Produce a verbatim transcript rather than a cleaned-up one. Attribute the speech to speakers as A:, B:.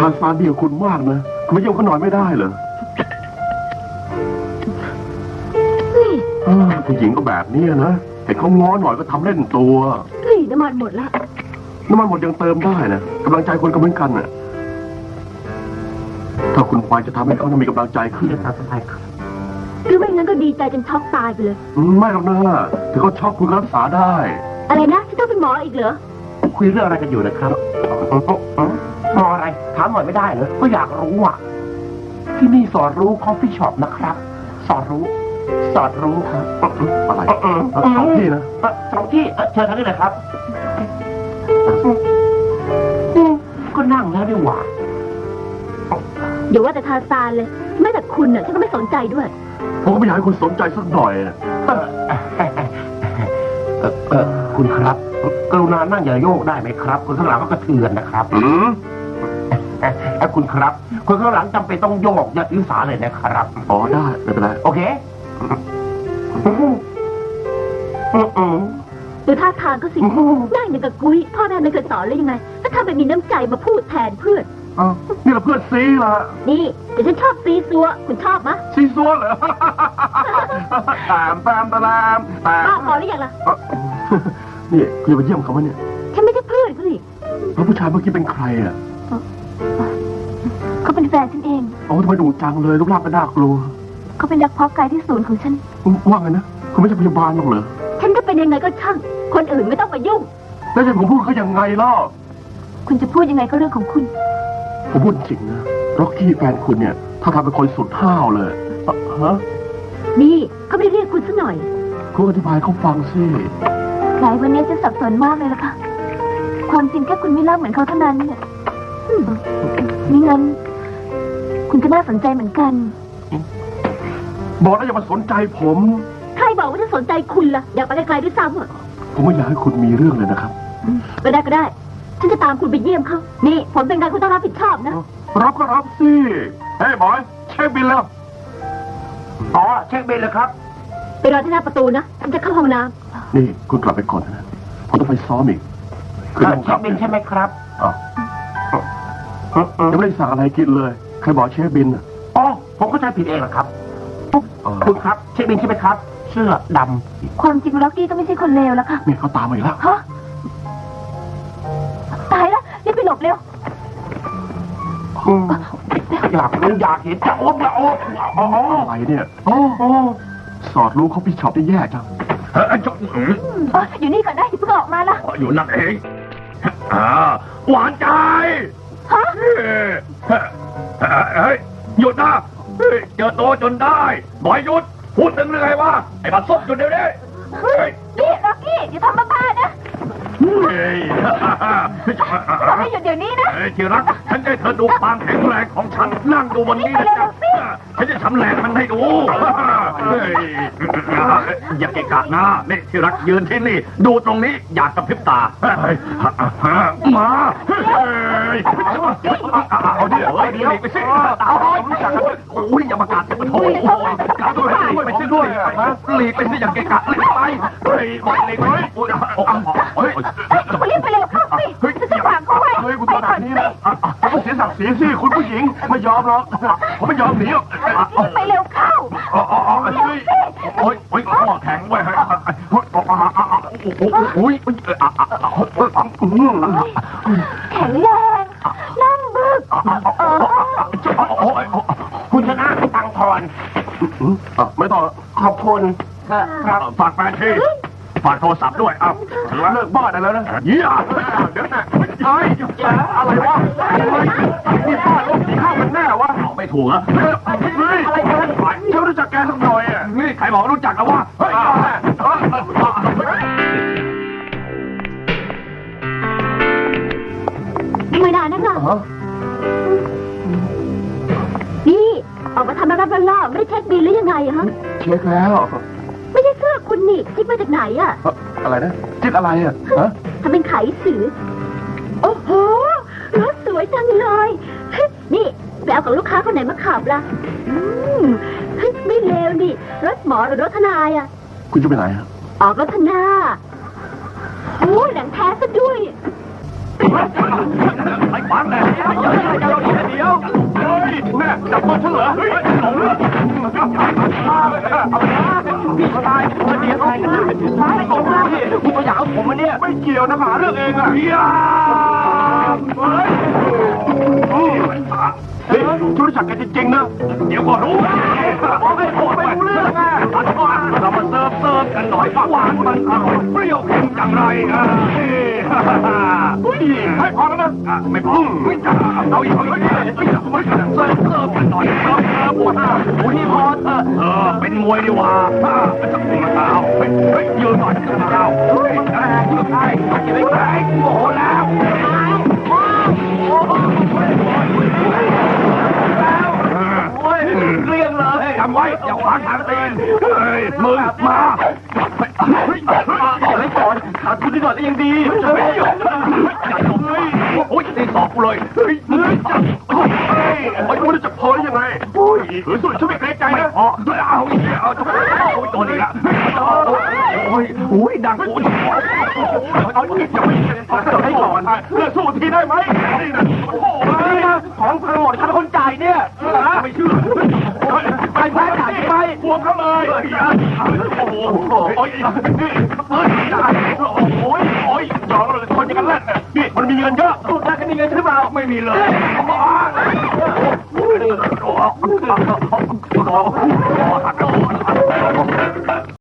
A: าซานเดียวคุณมากนะคุณไม่เยี่ยมเขาหน่อยไม่ได้เหรอผู้หญิงก็แบบนี้นะเห็นเขาง้อหน่อยก็ทำเล่นตัว
B: เฮ้ยน้ำมันหมดละ
A: น้ำมันหมดยังเติมได้นะกำลังใจคนก็เหมือนกันน่ะถ้าคุณไปจะทำให้เขามีกำลังใจขึ้นครับ
B: หรือไม่งั้นก็ดีใจจนช็อกตายไปเลย
A: ไม่หรอกนะถึงเขาช็อกคุณก็รักษาได้
B: อะไรนะที่ต้องเป็นหมออีกเหรอ
C: คุยเรื่องอะไรกันอยู่นะครับหมออะไรถามหน่อยไม่ได้เหรอก็อยากรู้อ่ะที่นี่สอนรู้คอฟฟี่ช็อปนะครับสอนรู้สอนรู้ครับ
A: อะไรสองที่นะ
C: สองที่เชิญทางนี้เลยครับก็นั่งแล้วดีกว่า
B: เดี๋ยวว่าแต่ทาซานเลยแม้แต่คุณน่ะฉันก็ไม่สนใจด้วย
A: ผมก็ไม่อยากให้คุณสนใจสักหน่อย
C: คุณครับกรุณานั่งอย่าโยกได้ไหมครับคนข้างหลังก็กระเทือนนะครับ
A: อืม
C: คุณครับคนข้างหลังจำเป็นต้องโยกอย่าถือสาเลยนะครับ
A: อ๋อได้ไม่เป็นไร
C: โอเค
B: ดูท่าทางก็สิได้อย่างกับกุ้ยพ่อแม่ไม่เคยสอนเลยยังไงถ้าทำแบบมีน้ำใจมาพูดแทนเพื่อน
A: นี่เราเพื่อนซีล่ะ
B: นี่แต่ฉันชอบซีซัวคุณชอบมะ
A: ซีซัวเหรอตามตามตามตาม
B: ป้าพอหรือยังล่ะ
A: นี่คุณจะไปเยี่ยมเขาไหมเนี่ย
B: ฉันไม่ใช่เพื่อนเขาสิ
A: แล้วผู้ชายเมื่อกี้เป็นใครอ่ะ
B: เขาเป็นแฟนฉันเอง
A: โอ้ทำไมดุจังเลยรูปร่างก็น่ากลัว
B: เขาเป็นนักเพาะกายที่ศูนย์ของฉัน
A: ว่าไงนะคุณไม่ใช่พยาบาลหรอกเหรอ
B: ฉันจะเป็นยังไงก็ช่างคนอื่นไม่ต้องมายุ่ง
A: แล้วจะผมพูดเขายังไงล่ะ
B: คุณจะพูดยังไงก็เรื่องของคุณ
A: ผมพูดจริงนะร็อกกี้แฟนคุณเนี่ยถ้าทำเป็นคนสุดห้าวเลยฮะ
B: นี่เขาไม่เรียกคุณซะหน่อย
A: คุณอธิบายเขาฟังสิ
B: หลายวันนี้จะสับสนมากเลยล่ะค่ะความจริงแค่คุณไม่รักเหมือนเขาเท่านั้นเนี่ยนี่งั้นคุณก็น่าสนใจเหมือนกัน
A: บอกแล้วอย่ามาสนใจผม
B: ใครบอกว่าจะสนใจคุณล่ะอยากไปไกลๆด้วยซ้ำอ่ะ
A: ผมไม่อยากให้คุณมีเรื่องเลยนะครับ
B: ไปได้ก็ได้ฉันจะตามคุณไปเยี่ยมเขานี่ผลเป็นไงคุณต้องรับผิดชอบนะ
A: รับก็รับสิเฮ้ยบอยเช็คบิลแล้ว
C: อ๋อเช็คบิลเลยครับ
B: ไปรอที่หน้าประตูนะฉันจะเข้าห้องน้
A: ำนี่คุณกลับไปก่อนนะผมต้องไปซ้อมอีก
C: คือเช็คบิลใช่ไหมครับ
A: อ๋อยังไม่ได้สั่งอะไรกินเลยใครบอกเช็คบิล
C: อ๋อผมเข้าใจผิดเองเหรอครับคุณครับเช็คบิลใช่ไหมครับเสื้อด
B: ำความจริงล็อกกี้ก็ไม่ใช่คนเลวแล้วค่ะ
A: นี่เขาตามมาอีกแล้ว
B: ฮะตายแล้วรีบไปหลบเร็ว
C: อยากรู้อยากเห็นจะโอ๊บจะโอ๊บ
A: อะไรเนี่ยโอ้สอดรู้เขาพี่ช็อปได้แย่จัง
B: อยู่นี่ก่อนได้เพิ่งออกมาละ
A: อยู่นั่นเองอ่าหวานใจ
B: ฮะ
A: เฮ้ยหยุดนะเฮ้ยเจอโตจนได้บอยหยุดพูดถึงเรื่องไงวะไอ้บัตรซบหยุดเดี๋ยวนี้
B: นี่ล็อกกี้อย่าทำบ้าๆนะ
A: เฮ้ย
B: บอกให้หยุดเดี๋ยวนี้นะ
A: ที่รักฉันจะเธอดูความแข็งแรงของฉันนั่งดูวันนี้นะจ๊ะฉันจะทำแรงมันให้ดูอย่าเกะกะนะนี่ที่รักยืนที่นี่ดูตรงนี้อยากกระพริบตามาเอาดิเอาดิไปสิเอาโอ้ยอย่ามากัดจะมาโถกัดด้วยไปสิด้วยหลีกไปสิอย่าเกะกะหลีกไปเฮ้ยหลีกไปเฮ้ย
B: คุณรีบไปเร็วเข้าสิเฮ้ยจะฝากเขาไว้
A: เฮ้ยคุณตัวแบบนี้นะผมเสียศักดิ์ศรีสิคุณผู้หญิงไม่ยอมหรอกผมไม่ยอมหนีหรอก
B: ไปเร็วเข้า
A: อ๋ออ๋อเฮ้ยโอ้ยโอ้ยข้อแข็งไว้เฮ้ยโอ้ยโอ้ย
B: แข็งแรงนั่งบึก
C: คุณชนะให้ตังทอน
A: ไม่ต้อง
C: ขอบคุณ
A: ครับฝากแฟนที่ฝากโทรศัพท์ด้วยอ้าวเลิกบ้าได้แล้วนะเยี่ยเดี๋ยวนะไอ้อะไรวะนี่บ้าลูกผีข้าวมันแน่วะไม่ถูกอะอะไรกันเธอรู้จักแกสักหน่อยอ่ะนี่ใครบอกรู้จักแล้ววะเฮ้ย
B: ไม่ได้นะคะนี่ออกมาทำอะไรบ้าๆไม่ได้เช็คบิลหรือยังไงฮะ
A: เช็คแล้ว
B: ไม่ใช่เสื้อคุณนี่จิ๊กมาจากไหนอะ
A: อะไรนะจิ๊กอะไรอะฮะ
B: ทำเป็นไขสือโอ้โหรถสวยจังเลยนี่ไปเอากับลูกค้าคนไหนมาขับล่ะอืมไม่เลวนี่รถหมอหรือรถทนายอะ
A: คุณจะไปไหนฮะ
B: ออกรถทนาโอ้หนังแท้ซะด้วย
A: ไอ้บ้านแหละเดี๋ยวเฮ้ยแม่จับมือฉันเหรอเฮ้ยหลงเลยพี่ชายมันเดียวกันนะไม่ตรงพี่คุณมาอยากเอาผมมาเนี่ยไม่เกี่ยวนะหาเรื่องเองอะเฮียเฮ้ยชุดจักรกันจริงๆนะเดี๋ยวก็รู้บอกให้ผมไม่รู้เรื่องอ่ะเรามาเสิร์ฟเสิร์ฟกันหน่อยหวานมันอร่อยเปรี้ยวเค็มอย่างไรอ่ะให้พอแล้วนะไม่พอไม่จ้าเอาอีกเอาอีกไม่เสิร์ฟเสิร์ฟกันหน่อยเสิร์ฟเสิร์ฟโอ้ยพอเถอะเออเป็นมวยดีกว่าไม่ต้องมาเท้าเฮ้ยเฮ้ยยืนหน่อยเจ้าเฮ้ยแรงยืนไงยืนแรงโอ้โหแล้วเรียงเลยทำไว้อย่าขวางทางตีนเฮ้ยมือมาเฮ้ยอะไรก่อนขาดทุนนิดหน่อยก็ยังดีเฮ้ยจัดเลยโอ้ยตีสอบกูเลยเฮ้ยมือจับเฮ้ยไอ้กูจะพอได้ยังไงโอ้ยถือสุดฉันไม่เกรงใจนะพอเอาเอาจะโอ้ยตัวนี้ละโอ้ยโอ้ยดังโอ้ยเอาอีกจะไม่จะให้ก่อนเลือกสู้ทีได้ไหมโอ้โหของพังหมดใครเป็นคนจ่ายเนี่ยไม่เชื่อไปแพ้จ่ายไปพวงเขาเลยโอ้โหโอ้ยนี่เฮ้ยจ่ายโอ้ยโอ้ยจองเลยคนอย่างนั้นแหละนี่มันมีเงินเยอะพูดได้ก็มีเงินหรือเปล่าไม่มีเลย